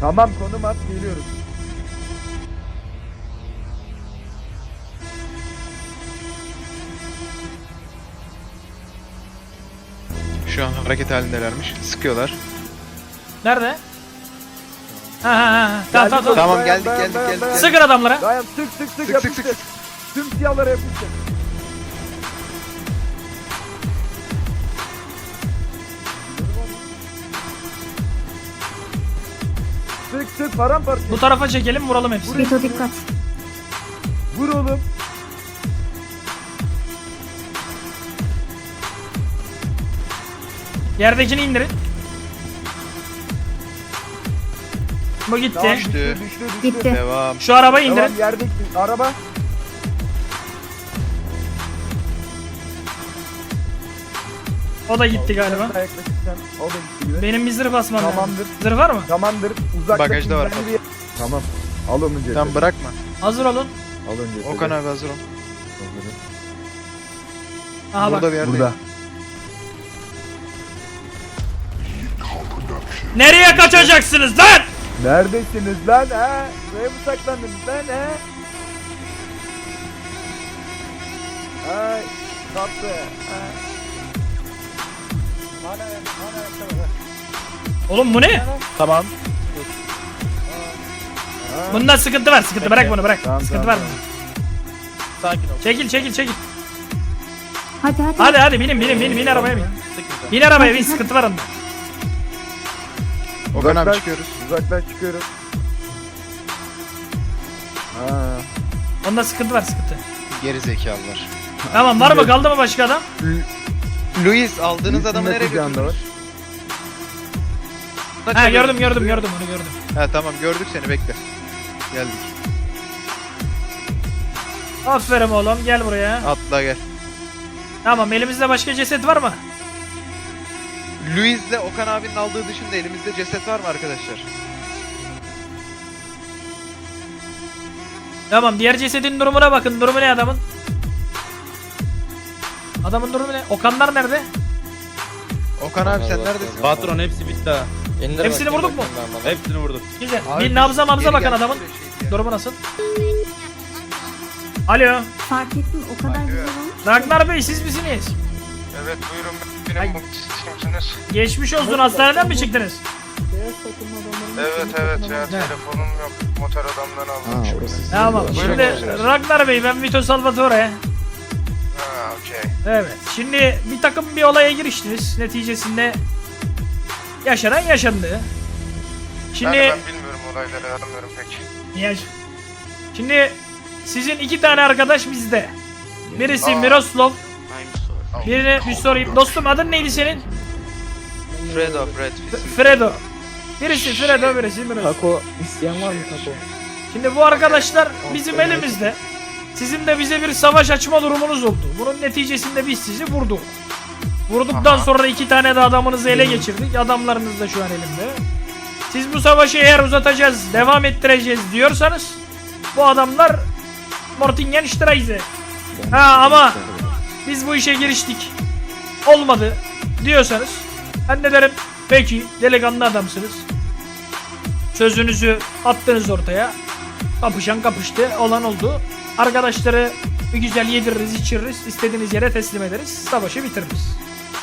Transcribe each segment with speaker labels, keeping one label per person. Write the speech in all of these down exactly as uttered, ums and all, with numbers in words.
Speaker 1: Tamam, konum at, geliyoruz.
Speaker 2: Şu an hareket halindelermiş. Sıkıyorlar.
Speaker 3: Nerede? Ha ha ha. Tamam tamam tamam.
Speaker 2: Tamam,
Speaker 1: Dayan,
Speaker 2: geldik,
Speaker 1: dayan,
Speaker 2: geldik,
Speaker 1: dayan,
Speaker 2: geldik.
Speaker 1: dayan.
Speaker 3: Sıkın adamlara.
Speaker 1: Dayan, sık sık sık,
Speaker 2: Sık,
Speaker 1: yapıştır.
Speaker 2: sık, sık,
Speaker 1: Tüm siyahlara yapıştır. Sık sık, paramparça.
Speaker 3: Bu tarafa çekelim, vuralım hepsini.
Speaker 4: Vito dikkat.
Speaker 1: Vur oğlum.
Speaker 3: Yerdekini indirin. Bu gitti.
Speaker 1: Tamam,
Speaker 2: Düştü.
Speaker 1: düştü, düştü, düştü.
Speaker 4: Gitti.
Speaker 2: Devam.
Speaker 3: Şu arabayı indirin.
Speaker 1: Tamam, yerdeki araba.
Speaker 3: O da gitti galiba.
Speaker 1: Sen de yaklaşırsan, o da gitti gibi.
Speaker 3: Benim bir zırh basmam lazım.
Speaker 1: Tamamdır.
Speaker 3: Zırh var mı?
Speaker 1: Tamamdır. Uzakta.
Speaker 2: Bagajda var.
Speaker 1: Tamam. Al onun cesedi.
Speaker 2: Tamam, bırakma.
Speaker 3: Hazır olun.
Speaker 1: Al onun cesedi.
Speaker 2: Okan abi hazır ol.
Speaker 3: Aha
Speaker 2: Burada
Speaker 3: bak.
Speaker 2: bir yerde.
Speaker 1: Burada.
Speaker 3: Nereye kaçacaksınız lan?
Speaker 1: Neredesiniz lan ha? Buraya mı saklandınız lan ha? Ay, kaptı. Ha.
Speaker 3: Oğlum bu ne?
Speaker 2: Tamam.
Speaker 1: Ha.
Speaker 3: Bunda sıkıntı var. Sıkıntı bırak bunu bırak.
Speaker 1: Tamam,
Speaker 3: Sıkıntı
Speaker 1: tamam,
Speaker 3: var.
Speaker 2: Sakin ol.
Speaker 3: Çekil çekil çekil.
Speaker 4: Hadi hadi.
Speaker 3: Hadi hadi binin binin binin bin arabaya bin. Bin arabaya bin, sıkıntı var onda.
Speaker 2: Okan abi
Speaker 1: Uzaklaş,
Speaker 2: çıkıyoruz.
Speaker 1: Uzaklaş çıkıyoruz. Ha.
Speaker 3: Onda sıkıntı var, sıkıntı.
Speaker 2: Geri zekalılar.
Speaker 3: Tamam, var mı, kaldı mı başka adam?
Speaker 2: Luis, aldığınız adamı nereye
Speaker 1: Luis'in kucağında
Speaker 2: götürdünüz?
Speaker 3: Ha gördüm gördüm gördüm onu gördüm.
Speaker 2: Ha tamam, gördük seni, bekle. Geldik.
Speaker 3: Aferin oğlum, gel buraya.
Speaker 2: Atla gel.
Speaker 3: Tamam, elimizde başka ceset var mı?
Speaker 2: Luis'le Okan abinin aldığı dışında elimizde ceset var mı arkadaşlar?
Speaker 3: Tamam, diğer cesedin durumuna bakın. Durumu ne adamın? Adamın durumu ne? Okanlar nerede?
Speaker 2: Okan abi sen neredesin?
Speaker 5: Patron hepsi bitti ha.
Speaker 6: İndir
Speaker 3: Hepsini
Speaker 6: bakayım,
Speaker 3: vurduk mu?
Speaker 6: bakayım ben bana.
Speaker 5: Hepsini vurduk.
Speaker 3: Güzel.
Speaker 2: Abi,
Speaker 3: Bir nabza mabza
Speaker 2: geri
Speaker 3: bakın
Speaker 2: gel,
Speaker 3: adamın.
Speaker 2: şöyle şey diye.
Speaker 3: Durumu nasıl? Alo.
Speaker 4: Fark ettim o kadar güzel olmuş.
Speaker 3: Ragnar Bey, siz misiniz?
Speaker 7: Evet buyurun,
Speaker 3: Ay.
Speaker 7: benim kimsiniz?
Speaker 3: Geçmiş olsun, hastaneden mi çıktınız?
Speaker 7: Evet evet ya,
Speaker 3: Ne?
Speaker 7: telefonum yok, motor adamdan aldım şimdi.
Speaker 3: Tamam.
Speaker 7: Buyurun,
Speaker 3: Şimdi
Speaker 7: buyurun.
Speaker 3: Ragnar Bey, ben Vito Salvatore.
Speaker 7: Ha okey.
Speaker 3: Evet. Şimdi bir takım bir olaya giriştiniz. Neticesinde yaşanan yaşandı. Şimdi
Speaker 7: Yani ben bilmiyorum olayları, anlamıyorum pek.
Speaker 3: Niye? Şimdi sizin iki tane arkadaş bizde. Birisi
Speaker 7: Aa.
Speaker 3: Miroslav.
Speaker 7: Al.
Speaker 3: Birine bir sorayım. Dostum, adın neydi senin?
Speaker 2: Fredo, Fred.
Speaker 3: F- Fredo. Birisi Fredo, birisi Miroslav.
Speaker 6: Taco isteyen var mı taco?
Speaker 3: Şimdi bu arkadaşlar bizim elimizde. Sizin de bize bir savaş açma durumunuz oldu. Bunun neticesinde biz sizi vurduk. Vurduktan
Speaker 7: Aha.
Speaker 3: sonra iki tane de adamınızı ele geçirdik. Adamlarınız da şu an elimde. Siz bu savaşı eğer uzatacağız, devam ettireceğiz diyorsanız bu adamlar Mortingen Streise. Ha ama biz bu işe giriştik, olmadı diyorsanız ben de derim peki, delikanlı adamsınız. Sözünüzü attınız ortaya. Kapışan kapıştı, olan oldu. Arkadaşları bir güzel yediririz, içiririz, istediğiniz yere teslim ederiz, savaşı bitiririz.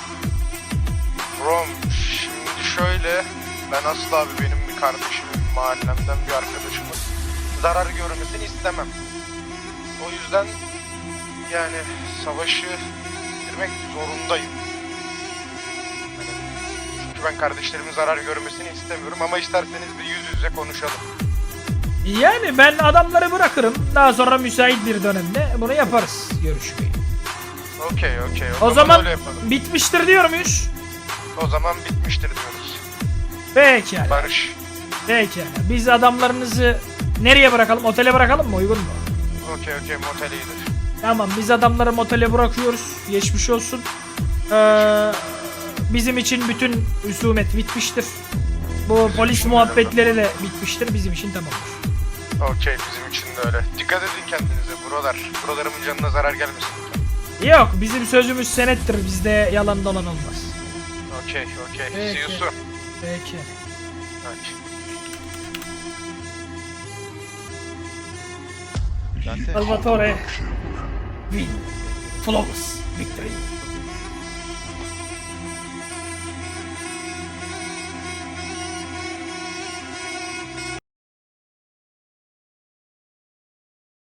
Speaker 7: Rom, şimdi şöyle, ben asla abi benim bir kardeşimin, mahallemden bir arkadaşımın zarar görmesini istemem. O yüzden yani savaşı bitirmek zorundayım. Hani, çünkü ben kardeşlerimin zarar görmesini istemiyorum ama isterseniz bir yüz yüze konuşalım.
Speaker 3: Yani ben adamları bırakırım. Daha sonra müsait bir dönemde bunu yaparız, görüşmeyi.
Speaker 7: Okey okey,
Speaker 3: O zaman
Speaker 7: öyle yapalım.
Speaker 3: bitmiştir diyor muyuz?
Speaker 7: O zaman bitmiştir diyoruz.
Speaker 3: Pekala.
Speaker 7: Barış.
Speaker 3: Pekala. Biz adamlarınızı nereye bırakalım? Otele bırakalım mı? Uygun mu?
Speaker 7: Okey okey, motel iyidir.
Speaker 3: Tamam, biz adamları motele bırakıyoruz. Geçmiş olsun. Ee, bizim için bütün husumet bitmiştir. Bu polis muhabbetleri de bitmiştir. Bizim için tamamdır.
Speaker 7: Okey, bizim için de öyle. Dikkat edin kendinize buralar. Buralarımın canına zarar gelmesin.
Speaker 3: Yok, bizim sözümüz senettir. Bizde yalan dolan olmaz.
Speaker 7: Okey okey.
Speaker 3: Peki.
Speaker 7: See you soon.
Speaker 3: Peki.
Speaker 7: Okey.
Speaker 2: Dante.
Speaker 3: Salvatore. Win. Flawless victory.